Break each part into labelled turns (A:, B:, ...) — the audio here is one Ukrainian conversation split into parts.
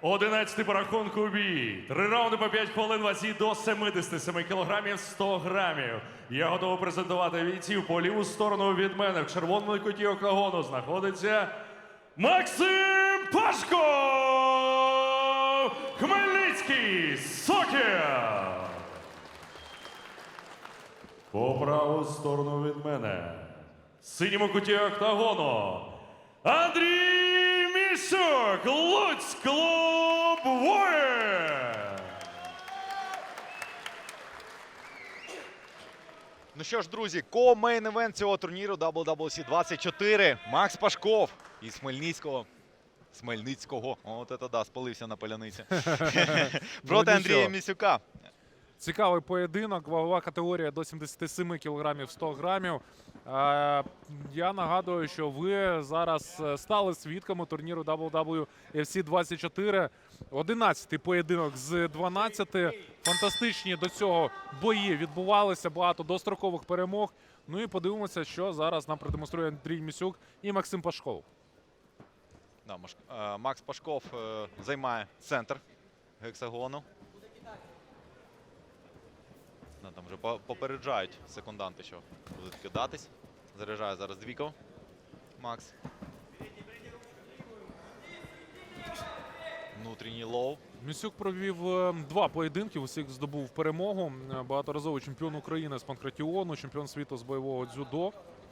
A: 11-й по рахунку бій. 3 раунди по 5 хвилин, вазі до 77 кілограмів 100 грамів. Я готовий презентувати бійців. По ліву сторону від мене в червоному куті октагону знаходиться Максим Пашков! Хмельницький Сокіл! По праву сторону від мене в синьому куті октагону Андрій Місюк, Луцьк, клуб «Воїн».
B: Ну що ж, друзі, ко-мейн-евент цього турніру WWC 24. Макс Пашков із Хмельницького. От це да, спалився на поляниці. Проти Андрія Місюка.
C: Цікавий поєдинок, вагова категорія до 77 кг 100 грамів. Я нагадую, що ви зараз стали свідками турніру WWC 24. 11-й поєдинок з 12. Фантастичні до цього бої відбувалися, багато дострокових перемог. Ну і подивимося, що зараз нам продемонструє Андрій Місюк і Максим Пашков.
B: Да, Макс Пашков займає центр гексагону. Там вже попереджають секунданти, що будуть кидатись. Заряджає зараз Двіков. Макс. Внутрішній лоу.
C: Місюк провів 2 поєдинки, усіх здобув перемогу. Багаторазовий чемпіон України з панкратіону, чемпіон світу з бойового дзюдо.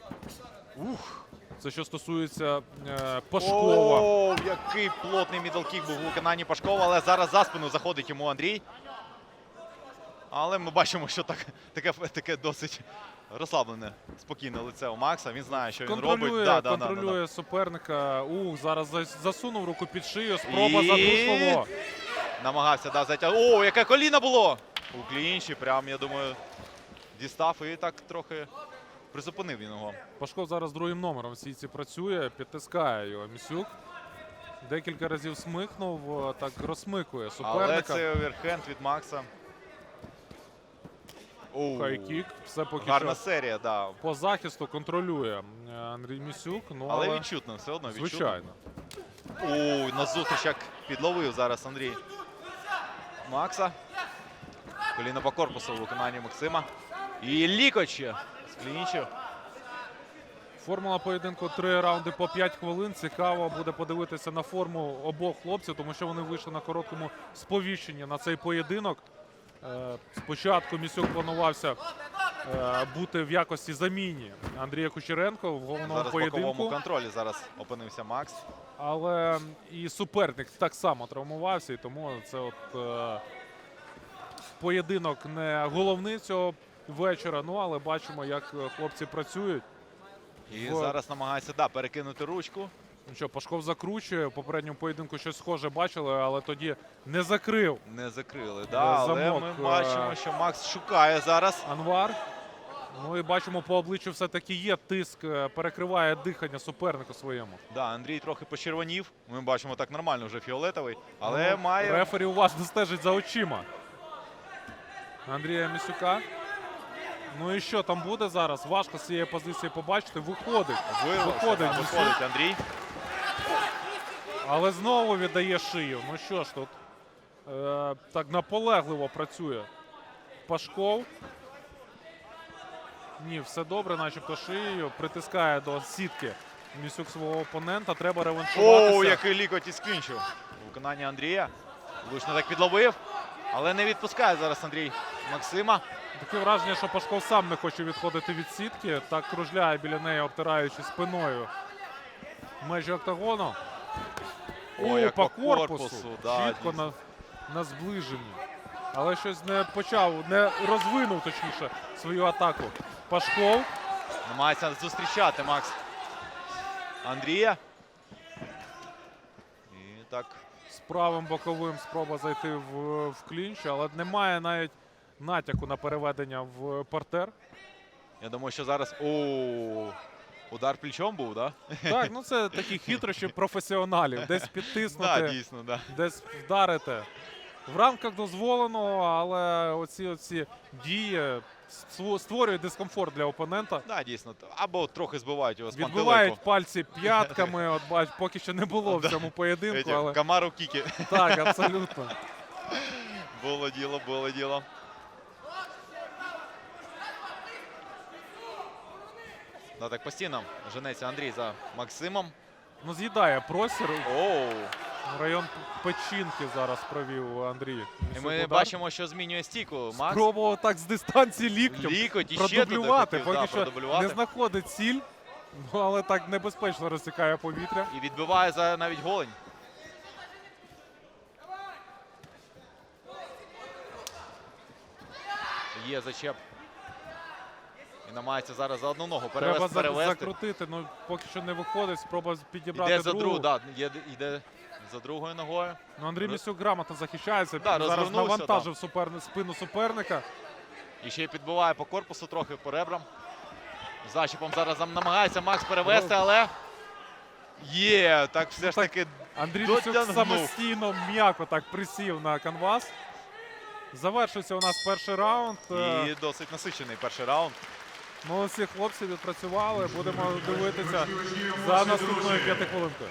C: Це що стосується Пашкова.
B: О, який плотний мідлкік був у виконанні Пашкова, але зараз за спину заходить йому Андрій. Але ми бачимо, що таке досить розслаблене, спокійне лице у Макса. Він знає, що він робить.
C: Контролює суперника. Зараз засунув руку під шию. Спроба задушливо.
B: Намагався затягнути. О, яке коліно було! У клінчі, прям, я думаю, дістав і так трохи призупинив він його.
C: Пашков зараз другим номером в сітці працює, підтискає його Місюк. Декілька разів смикнув, так розсмикує суперника.
B: Але це оверхенд від Макса.
C: Хайкік. Все поки
B: гарна
C: що
B: серія, да.
C: по захисту контролює Андрій Місюк. Ну,
B: але відчутно, все одно відчутно.
C: Звичайно.
B: Ой, на зустріч як підловив зараз Андрій Макса. Коліно по корпусу у виконанні Максима. І лікоть з клінчу.
C: Формула поєдинку 3 раунди по 5 хвилин. Цікаво буде подивитися на форму обох хлопців, тому що вони вийшли на короткому сповіщенні на цей поєдинок. Спочатку Місюк планувався бути в якості заміні Андрія Кучеренко в головному
B: зараз
C: поєдинку.
B: В боковому контролі зараз опинився Макс.
C: Але і суперник так само травмувався, і тому це поєдинок не головний цього вечора. Ну, але бачимо, як хлопці працюють.
B: І зараз намагається перекинути ручку.
C: Ну що, Пашков закручує. В попередньому поєдинку щось схоже бачили, але тоді не закрив.
B: Не закрили, але
C: замок,
B: ми бачимо, що Макс шукає зараз.
C: Анвар. Ну і бачимо, по обличчю все-таки є тиск, перекриває дихання супернику своєму.
B: Да, Андрій трохи почервонів. Ми бачимо так нормально, вже фіолетовий. Але має...
C: Рефері уважно стежить за очима Андрія Місюка. Ну і що там буде зараз? Важко з цієї позиції побачити. Виходить
B: Виходить Андрій.
C: Але знову віддає шию. Ну що ж тут так наполегливо працює Пашков. Ні, все добре, начебто шиєю. Притискає до сітки Місюк свого опонента. Треба реваншуватися.
B: О, який лікоть із клінчу. У виконанні Андрія. Влучно так підловив. Але не відпускає зараз Андрій Максима.
C: Таке враження, що Пашков сам не хоче відходити від сітки. Так кружляє біля неї, обтираючи спиною межі октагону. По корпусу. Чітко на зближенні. Але щось не почав, не розвинув, точніше, свою атаку. Пашков.
B: Намагається зустрічати Макс Андрія. І так.
C: З правим боковим спроба зайти в клінч, але немає навіть натяку на переведення в партер.
B: Я думаю, що зараз... Удар плечом був, так?
C: Так, ну це такі хитрощі професіоналів. Десь підтиснути,
B: дійсно,
C: десь вдарити. в рамках дозволеного, але оці дії створюють дискомфорт для опонента.
B: Да, дійсно. Або трохи збивають його з пантелику.
C: Відбивають пальці п'ятками. От бач, поки що не було в цьому поєдинку, але
B: Камару Кікі.
C: так, абсолютно.
B: Було діло, було діло. Да, так постійно женеться Андрій за Максимом.
C: Ну, з'їдає простір.
B: Оу.
C: Район печінки зараз провів Андрій.
B: І ми бачимо, що змінює стійку. Макс.
C: Спробував так з дистанції ліктем
B: Лікоть і ще туди
C: продублювати.
B: хотів,
C: Поки
B: да,
C: що
B: продублювати.
C: не знаходить ціль, ну, але так небезпечно розсікає повітря.
B: І відбиває за навіть голень. Є зачеп. І намагається зараз за одну ногу
C: Треба
B: перевести.
C: закрутити, ну поки що не виходить. Спроба підібрати
B: Йде за
C: другу.
B: другу, да, йде за другою ногою.
C: Ну, Андрій Місюк грамотно захищається.
B: Да,
C: Зараз
B: розвернувся,
C: навантажив спину суперника.
B: І ще й підбиває по корпусу трохи, по ребрам. Зачепом зараз намагається Макс перевести, але є, так все ж
C: так,
B: таки
C: Андрій Місюк
B: дотягнув.
C: самостійно м'яко так присів на канвас. Завершився у нас перший раунд.
B: І досить насичений перший раунд.
C: Молодці хлопці відпрацювали. Будемо дивитися за наступною 5 хвилинкою.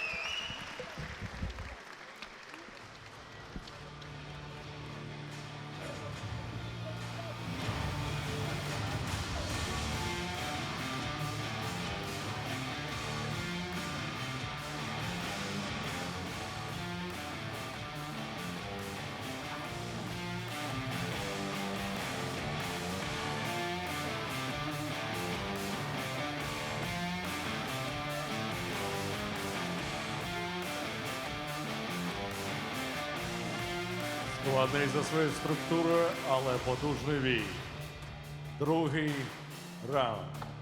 A: Складний за своєю структурою, але потужний бій. Другий раунд.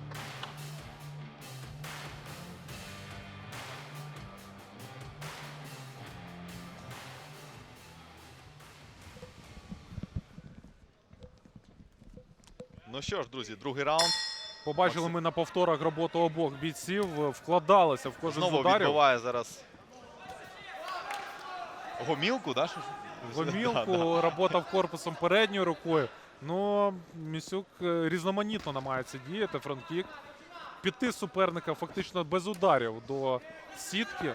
B: Ну що ж, друзі, другий раунд.
C: Побачили ми на повторах роботу обох бійців. Вкладалися в кожен з
B: Знову
C: ударів.
B: відбиває зараз гомілку, да?
C: Гомілку, робота в корпусом передньою рукою. Ну, Місюк різноманітно намагається діяти, фронт-кік. Піти суперника фактично без ударів до сітки.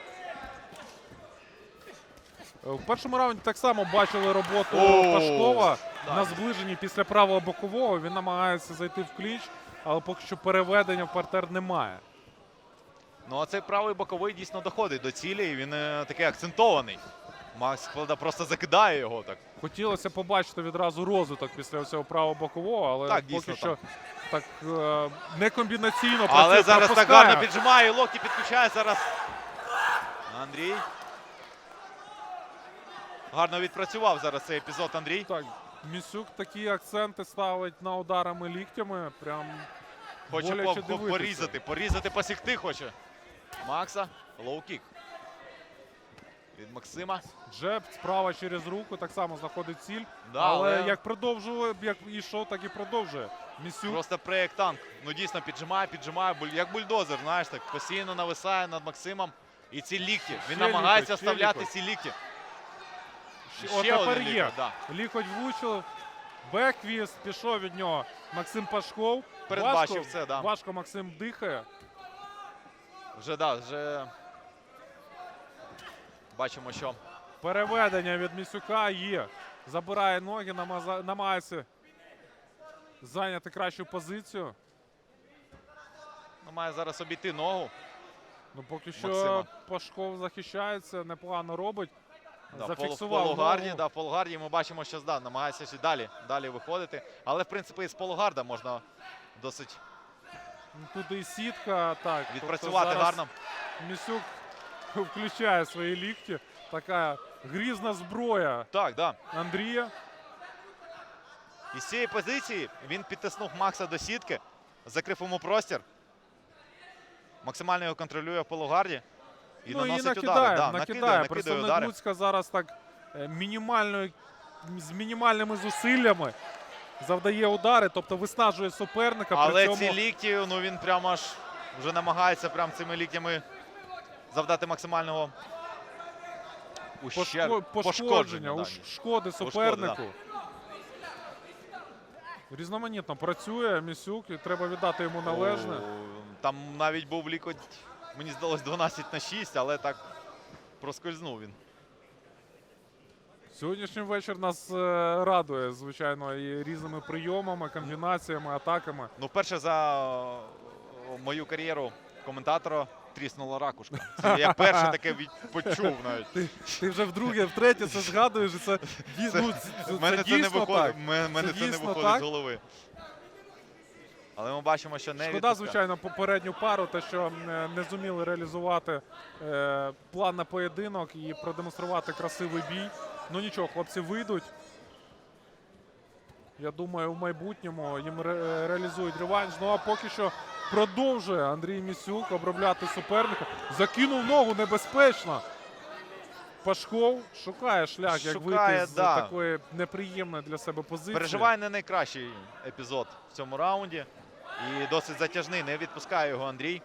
C: В першому раунді так само бачили роботу Пашкова на зближенні після правого бокового. Він намагається зайти в клінч, але поки що переведення в партер немає.
B: Ну а цей правий боковий дійсно доходить до цілі, і він такий акцентований. Макс просто закидає його так.
C: Хотілося побачити відразу розвиток після цього правого бокового, але
B: Так,
C: поки
B: дійсно,
C: що так не комбінаційно працює,
B: Але зараз так
C: пропускає.
B: гарно піджимає, і локті підключає зараз Андрій. Гарно відпрацював зараз цей епізод Андрій.
C: Так, Місюк такі акценти ставить на ударами ліктями. Прям
B: Хоче
C: боляче дивитися.
B: порізати, посікти хоче. Макса, лоу-кік. Від Максима.
C: Джеб справа через руку, так само знаходить ціль.
B: Да,
C: але як продовжував, як ішов, так і продовжує. Місюк.
B: Просто проєкт танк. Ну дійсно піджимає, як бульдозер, знаєш, так постійно нависає над Максимом. І ці лікті. Він
C: Ще
B: намагається
C: лікоть, ще
B: вставляти
C: лікоть.
B: ці лікті.
C: От
B: Ще
C: тепер
B: один
C: є.
B: лікоть, да.
C: Лікоть влучив. Беквіст пішов від нього Максим Пашков.
B: Передбачив це, да.
C: Важко Максим дихає.
B: Вже бачимо, що
C: Переведення від Місюка є. Забирає ноги, намагається зайняти кращу позицію.
B: має зараз обійти ногу.
C: Ну, поки що
B: Максима.
C: Пашков захищається, непогано робить.
B: Да,
C: Зафіксував
B: полугарді,
C: ногу.
B: да, в полугарді ми бачимо, що намагається ще далі виходити. Але, в принципі, і з полугарда можна досить
C: Тут і сітка. Так,
B: відпрацювати
C: тобто зараз
B: гарно.
C: Місюк включає свої лікті. Така грізна зброя
B: Так, да.
C: Андрія.
B: І з цієї позиції він підтиснув Макса до сітки, закрив йому простір. Максимально його контролює в полугарді. І
C: Ну і
B: наносить
C: накидає,
B: удари. Да,
C: накидає.
B: накидає
C: Представник
B: удари.
C: Луцька зараз так з мінімальними зусиллями завдає удари, тобто виснажує суперника.
B: Але
C: при цьому
B: ці лікті, ну він прямо аж вже намагається прямо цими ліктями завдати максимального
C: Пошкодження,
B: да.
C: шкоди супернику. Різноманітно працює Місюк і треба віддати йому належне.
B: Там навіть був лікоть, мені здалось, 12-6, але так проскользнув він.
C: Сьогоднішній вечір нас радує, звичайно, і різними прийомами, комбінаціями, атаками.
B: Ну, вперше за мою кар'єру коментатора тріснула ракушка. Це я перше таке почув навіть.
C: Ти вже вдруге, втретє це згадуєш, і це дійсно
B: Мене це не виходить, мене
C: Це
B: це не
C: дійсно
B: виходить
C: так.
B: з голови. Але ми бачимо, що не
C: Шкода,
B: відпускає.
C: звичайно, попередню пару, те, що не зуміли реалізувати план на поєдинок і продемонструвати красивий бій. Ну нічого, хлопці вийдуть. Я думаю, в майбутньому їм реалізують реванш. Ну а поки що продовжує Андрій Місюк обробляти суперника. Закинув ногу небезпечно. Пашков шукає шлях, як
B: Шукає,
C: вийти з
B: да.
C: такої неприємної для себе позиції.
B: Переживає не найкращий епізод в цьому раунді. І досить затяжний, не відпускає його Андрій.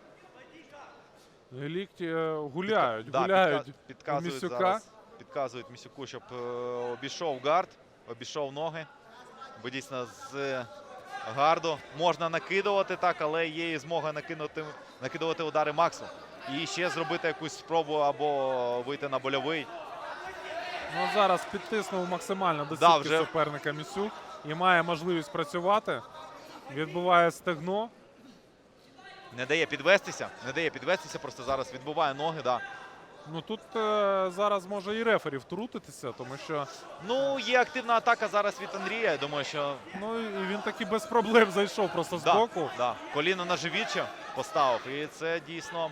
C: Лікті гуляють,
B: Да,
C: гуляють у
B: підказують
C: Місюка.
B: зараз. Підказують Місюку, щоб обійшов гард, обійшов ноги. Бо дійсно з гарду можна накидувати так, але є і змога накидувати удари Максу. І ще зробити якусь спробу або вийти на больовий.
C: Ну, зараз підтиснув максимально до
B: Да,
C: сітки
B: вже.
C: суперника Місюк і має можливість працювати. Відбуває стегно.
B: Не дає підвестися, просто зараз відбуває ноги. Да.
C: Ну тут зараз може і рефері втрутитися, тому що
B: Ну, є активна атака зараз від Андрія. Я думаю, що
C: ну і він таки без проблем зайшов просто з боку.
B: Да. Коліно на живіччя поставив. І це дійсно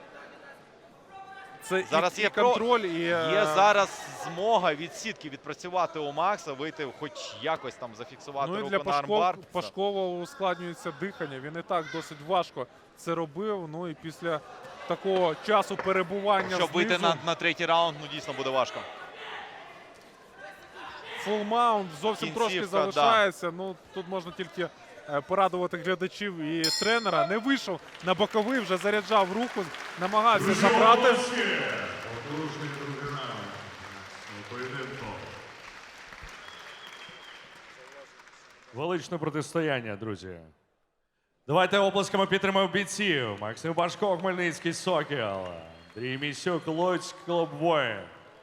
C: Це
B: зараз
C: і
B: є
C: контроль, і
B: є зараз змога від сітки відпрацювати у Макса, вийти хоч якось там зафіксувати
C: ну і
B: руку
C: для
B: на армбар.
C: Пашкова ускладнюється дихання. Він і так досить важко це робив. Ну і після такого часу перебування
B: Щоб вийти
C: знизу,
B: на третій раунд, ну дійсно буде важко.
C: фулмаунт зовсім трошки
B: Кінцівка,
C: залишається. Ну тут можна тільки порадувати глядачів і тренера. Не вийшов на боковий, вже заряджав руку, намагався забрати.
A: Потужний другий раунд у поєдинку. Величне протистояння, друзі. Давайте оплесками підтримаємо бійців. Максим Пашко, Хмельницький Сокіл. Андрій Місюк, Луцьк, клуб Воїн.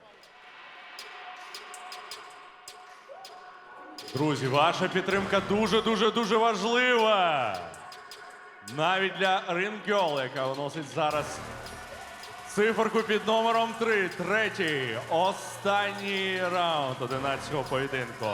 A: Друзі, ваша підтримка дуже важлива. Навіть для Рингьол, яка виносить зараз циферку під номером 3. Третій, останній раунд 11-го поєдинку.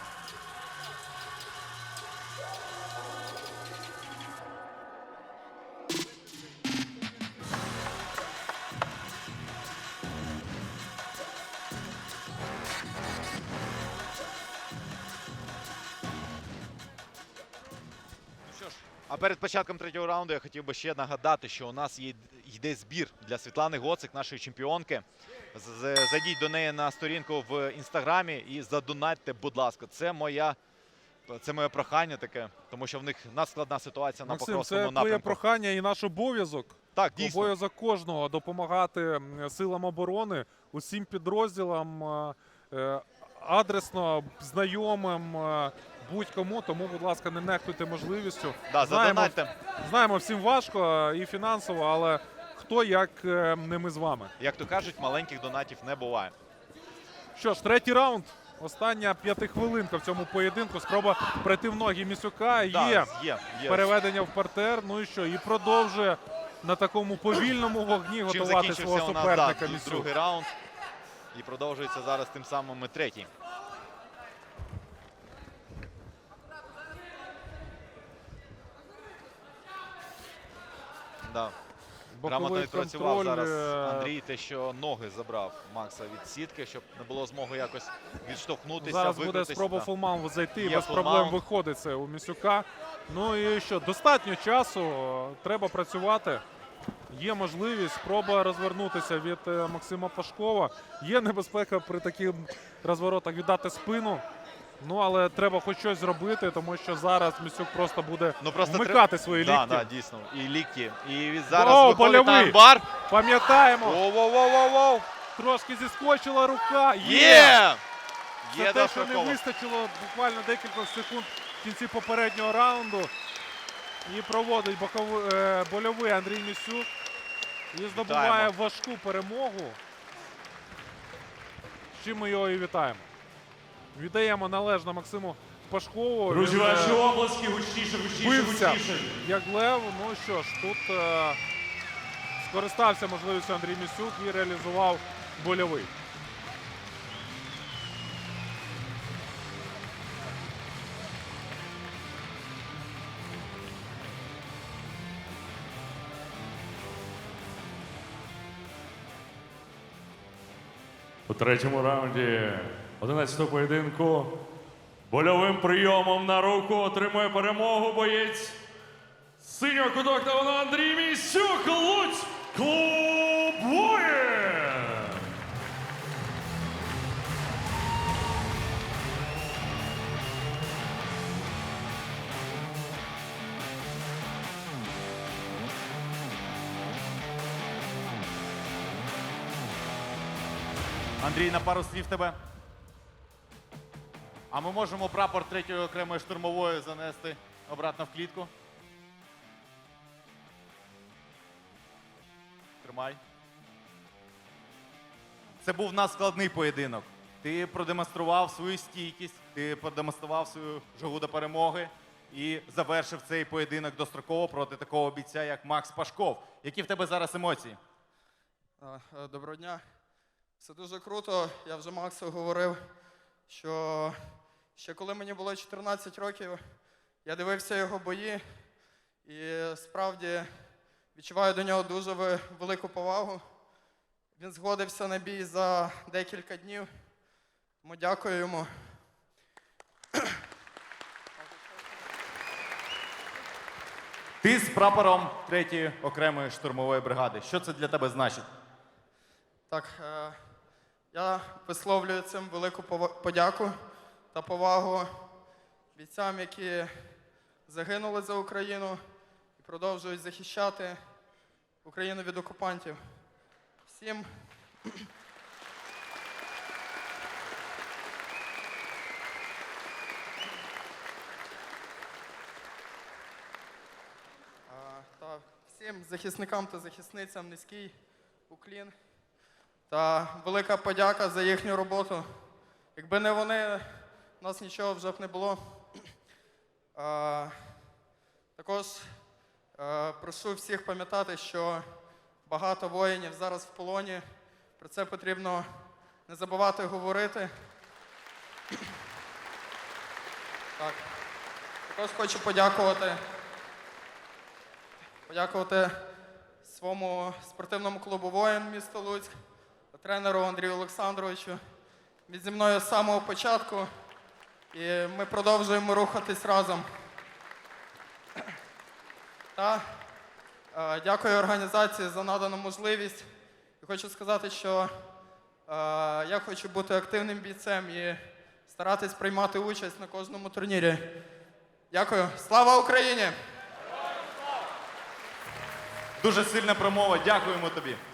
B: А перед початком третього раунду я хотів би ще нагадати, що у нас йде збір для Світлани Гоцик, нашої чемпіонки. Зайдіть до неї на сторінку в інстаграмі і задонатьте, будь ласка. Це моє прохання таке, тому що в них надскладна ситуація на
C: Максим,
B: Покровському
C: це
B: напрямку.
C: твоє прохання і наш обов'язок.
B: Так, дійсно.
C: Обов'язок кожного допомагати силам оборони, усім підрозділам, адресно, знайомим, будь-кому. Тому, будь ласка, не нехтуйте можливістю.
B: Да, задонатьте.
C: Знаємо, всім важко і фінансово, але хто як не ми з вами.
B: Як то кажуть, маленьких донатів не буває.
C: Що ж, третій раунд. Остання 5-хвилинка в цьому поєдинку. Спроба пройти в ноги Місюка.
B: Да, є.
C: Переведення в партер. Ну і що? І продовжує на такому повільному вогні
B: Чим
C: готувати
B: закінчився
C: свого
B: у нас
C: суперника Місюк.
B: другий раунд. І продовжується зараз тим самим і третій. Да. Грамотно
C: Боковий
B: відпрацював
C: контроль.
B: зараз Андрій, те, що ноги забрав Макса від сітки, щоб не було змоги якось відштовхнутися,
C: Зараз буде
B: викрутитися.
C: спроба
B: Да.
C: фулмаунт зайти, і
B: Є
C: без проблем
B: фулмаунт.
C: виходить це у Місюка. Ну і що, достатньо часу, треба працювати. Є можливість, спроба розвернутися від Максима Пашкова. Є небезпека при таких розворотах віддати спину. Ну, але треба хоч щось зробити, тому що зараз Місюк просто буде вмикати свої лікті.
B: Да, дійсно. І лікті. І зараз
C: О,
B: виходить на
C: больовий.
B: армбар.
C: Пам'ятаємо,
B: Воу-воу-воу-воу-воу.
C: Трошки зіскочила рука.
B: Є!
C: Це
B: Є
C: те, що не
B: достроково.
C: вистачило буквально декілька секунд в кінці попереднього раунду. І проводить больовий Андрій Місюк. І здобуває
B: Вітаємо.
C: важку перемогу. З чим ми його і вітаємо. Віддаємо належне Максиму Пашкову.
A: Друзі,
C: Він,
A: ваші обласки гучніше, гучніше,
C: бився
A: гучніше.
C: як лев. Ну що ж, тут скористався можливістю Андрій Місюк і реалізував больовий.
A: У третьому раунді 11-го поєдинку больовим прийомом на руку отримує перемогу боєць синього кутоктагону Андрій Місюк, Луцьк, клуб «Воїн».
D: Андрій, на пару слів тебе. А ми можемо прапор 3-ї окремої штурмової занести обратно в клітку. Тримай. Це був надскладний поєдинок. Ти продемонстрував свою стійкість, ти продемонстрував свою жагу до перемоги і завершив цей поєдинок достроково проти такого бійця, як Макс Пашков. Які в тебе зараз емоції?
E: Доброго дня. Все дуже круто. Я вже Максу говорив, що ще коли мені було 14 років, я дивився його бої і справді відчуваю до нього дуже велику повагу. Він згодився на бій за декілька днів, тому дякую йому.
D: Ти з прапором 3-ї окремої штурмової бригади. Що це для тебе значить?
E: Так, я висловлюю цим велику подяку та повагу бійцям, які загинули за Україну і продовжують захищати Україну від окупантів. Всім всім захисникам та захисницям низький уклін та велика подяка за їхню роботу. Якби не вони, у нас нічого вже б не було. Також прошу всіх пам'ятати, що багато воїнів зараз в полоні. Про це потрібно не забувати говорити. Так. Також хочу подякувати своєму спортивному клубу «Воїн» міста Луцьк, тренеру Андрію Олександровичу. Він зі мною з самого початку, і ми продовжуємо рухатись разом. Та дякую організації за надану можливість. І хочу сказати, що я хочу бути активним бійцем і старатись приймати участь на кожному турнірі. Дякую. Слава Україні!
D: Дуже сильна промова. Дякуємо тобі.